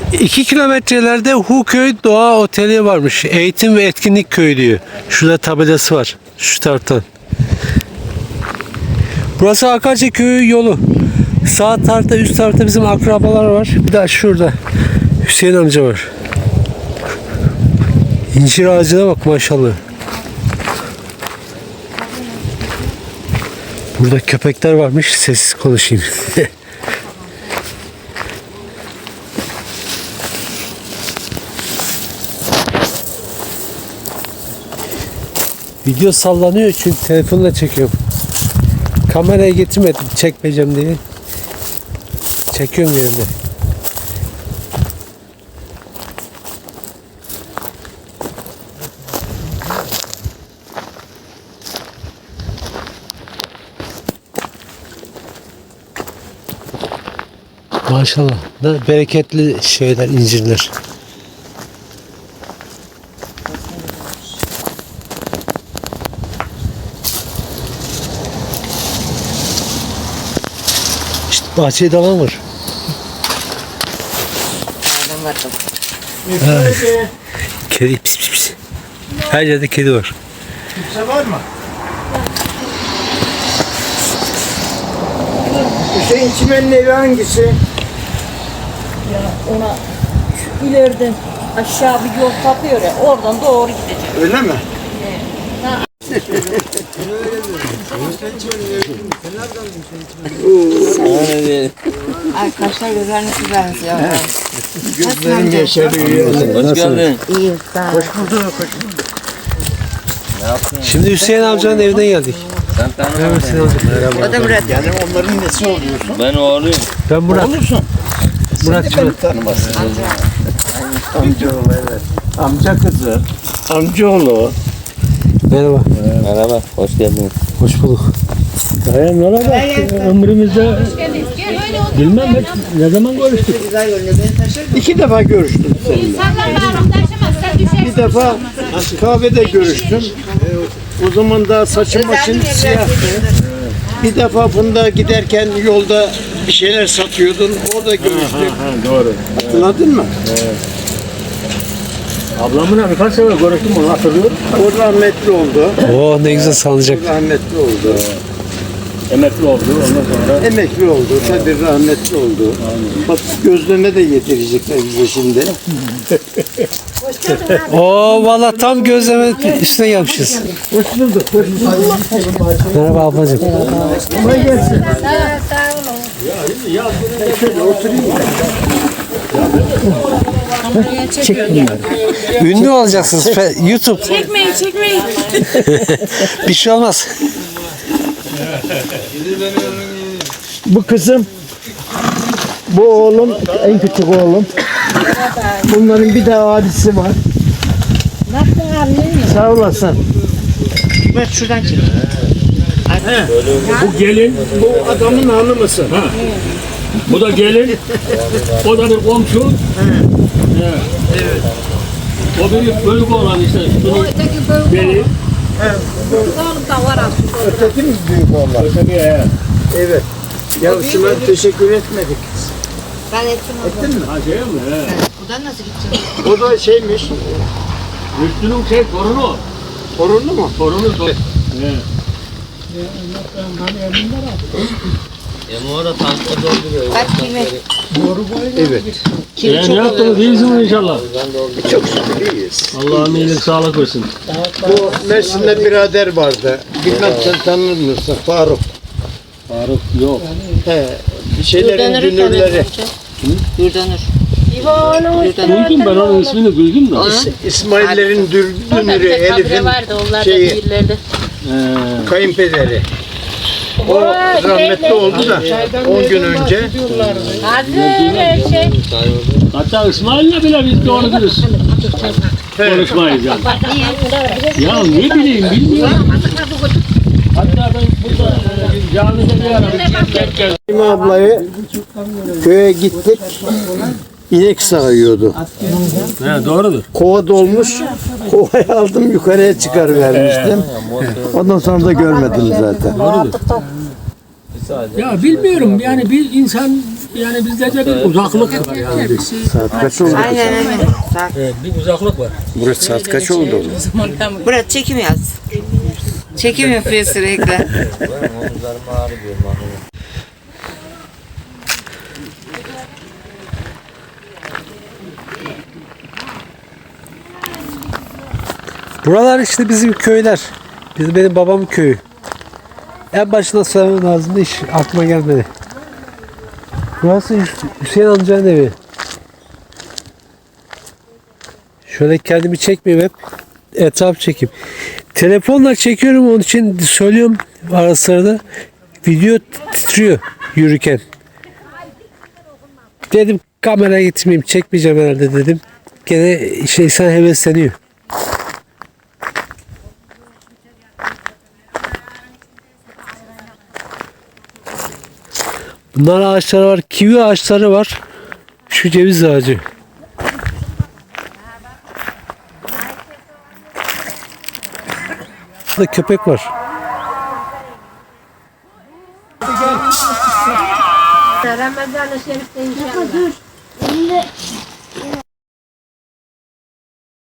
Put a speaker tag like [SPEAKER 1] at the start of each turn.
[SPEAKER 1] 2 kilometrelerde Huköy Doğa Oteli varmış. Eğitim ve etkinlik köyü diyor. Şurada tabelası var. Şu taraftan. Burası Akarca Köyü yolu. Sağ tarafta, üst tarafta bizim akrabalar var. Bir de şurada Hüseyin amca var. İncir ağacına bak maşallah. Burada köpekler varmış. Sessiz konuşayım. Video sallanıyor çünkü telefonla çekiyorum. Kamerayı getirmedim çekmeyeceğim diye. Çekiyorum yerinde. Maşallah. Ne bereketli şeyler, incirler. İşte bahçede dalan var.
[SPEAKER 2] Nereden baktım?
[SPEAKER 1] Kedi pis pis pis. Her yerde kedi var.
[SPEAKER 3] Kimse var mı? Hüseyin Çimen'in evi hangisi?
[SPEAKER 2] Ya ona şu ileriden aşağı bir yol kapıyor ya, oradan doğru gidecek.
[SPEAKER 3] Öyle mi?
[SPEAKER 2] Arkadaşlar gözlerinizi benziyor.
[SPEAKER 3] Gözlerin yaşarıyor.
[SPEAKER 4] Hoş geldin.
[SPEAKER 2] İyi, sağ ol.
[SPEAKER 3] Hoş bulduk.
[SPEAKER 1] Şimdi Hüseyin amcanın evine geldik.
[SPEAKER 4] Sen tanımadın.
[SPEAKER 1] Evet, Hüseyin amca.
[SPEAKER 2] O da Murat.
[SPEAKER 3] Yani onların nesi oluyorsun?
[SPEAKER 4] Ben oğluyum.
[SPEAKER 1] Ben Murat.
[SPEAKER 3] Olursun.
[SPEAKER 1] Murat
[SPEAKER 3] Seni
[SPEAKER 1] Çınar.
[SPEAKER 3] beni tanımazsın. Amcaoğlu evet. Amca kızı. Amcaoğlu.
[SPEAKER 1] Merhaba.
[SPEAKER 4] Merhaba, hoş geldiniz.
[SPEAKER 1] Hoş bulduk.
[SPEAKER 5] Ömrümüzde bilmem hep ne zaman görüştük.
[SPEAKER 3] 2 defa görüştüm seninle. Bir defa kahvede görüştüm. O zaman da saçım başım siyahtı. Bir defa bunda giderken yolda bir şeyler satıyordun. Orada görüştük.
[SPEAKER 5] Doğru.
[SPEAKER 3] Hatırladın mı?
[SPEAKER 5] Ablamla birkaç sefer görüştüm, onu hatırlıyorum.
[SPEAKER 3] O rahmetli oldu.
[SPEAKER 1] Oo ne güzel sanacak.
[SPEAKER 3] O rahmetli oldu.
[SPEAKER 5] Emekli oldu, ondan sonra
[SPEAKER 3] Emekli oldu. Tabii rahmetli oldu. Bak gözlerine de getirecekler bize şimdi.
[SPEAKER 1] Oo valla tam gözleme üstüne gelmişiz.
[SPEAKER 3] Hoş bulduk. Hoş bulduk.
[SPEAKER 1] Merhaba ablacığım.
[SPEAKER 3] Kolay gelsin.
[SPEAKER 1] Ünlü olacaksınız. YouTube.
[SPEAKER 6] Çekmeyin.
[SPEAKER 1] Bir şey olmaz.
[SPEAKER 3] Bu kızım, bu oğlum, en küçük oğlum. Bunların bir daha abisi var. Sağ olasın.
[SPEAKER 2] Murat şuradan çek.
[SPEAKER 5] bu gelin,
[SPEAKER 3] Bu adamın hanımısı.
[SPEAKER 5] bu da gelin, o da bir komşu. Evet. O biri bölük olan işte, bunun biri.
[SPEAKER 3] Öteki mi büyük onlar? Evet. Ya şuna teşekkür etmedik.
[SPEAKER 2] Ben ettim onu.
[SPEAKER 3] Ettin mi?
[SPEAKER 5] Ha şey mi? He.
[SPEAKER 2] Buradan nasıl gideceğim?
[SPEAKER 3] O da şeymiş,
[SPEAKER 5] Rüştü'nün torunu.
[SPEAKER 3] torunlu mu?
[SPEAKER 5] Torunu. He.
[SPEAKER 4] Orada tankta dolduruyor.
[SPEAKER 2] Kaç kime?
[SPEAKER 3] Evet.
[SPEAKER 5] Ne yaptınız? İyisiniz inşallah.
[SPEAKER 3] Çok şükür iyiyiz.
[SPEAKER 5] Allah'ın iyilik sağlık versin.
[SPEAKER 3] Bu Mersin'de birader vardı. Bilmem sen tanır mısın? Faruk.
[SPEAKER 5] Faruk yok.
[SPEAKER 3] He. Bir şeylerin dünürleri.
[SPEAKER 2] Yurdanur.
[SPEAKER 5] Duydum ben onun ismini duydum da.
[SPEAKER 3] İsmail'lerin dünürü, Elif'in
[SPEAKER 6] vardı onlar
[SPEAKER 3] şeyi,
[SPEAKER 6] da değillerdi.
[SPEAKER 3] kayınpederi. O rahmetli oldu da 10 gün önce.
[SPEAKER 6] Hazır şey.
[SPEAKER 5] Hatta İsmail'le bile biz doğru dürüst konuşmayız yani. Ya ne bileyim bilmiyorum. Hatta ben burada camide bir ara denk geldim.
[SPEAKER 3] Fatima ablayı köye gittik. İnek sağıyordu.
[SPEAKER 5] He, doğrudur.
[SPEAKER 3] Kova dolmuş. Kovayı aldım yukarıya çıkarıvermiştim. Ondan sonra da görmedim zaten.
[SPEAKER 5] Ya bilmiyorum yani bir insan yani bizde de bir uzaklık var yani.
[SPEAKER 3] Saat kaç oldu?
[SPEAKER 7] Aynen aynen. Saat.
[SPEAKER 5] Evet, bir uzaklık var.
[SPEAKER 3] Burası saat kaç oldu?
[SPEAKER 7] Burada çekim yaz. Çekim yapıyor sürekli.
[SPEAKER 4] Omuzlarım ağrıyor.
[SPEAKER 1] Buralar işte bizim köyler. Benim babamın köyü. En başına söylemem lazımdı, hiç aklıma gelmedi. Burası Hüseyin amcanın evi. Şöyle kendimi çekmeyeyim hep. Etraf çekeyim. Telefonla çekiyorum, onun için söylüyorum ara sırada. Video titriyor yürürken. Dedim kameraya getirmeyeyim, çekmeyeceğim herhalde dedim. Gene insan hevesleniyor. Bunlar ağaçları var. Kivi ağaçları var. Şu ceviz ağacı. Burada köpek var.
[SPEAKER 6] Ramazan-ı Şerif'te inşallah.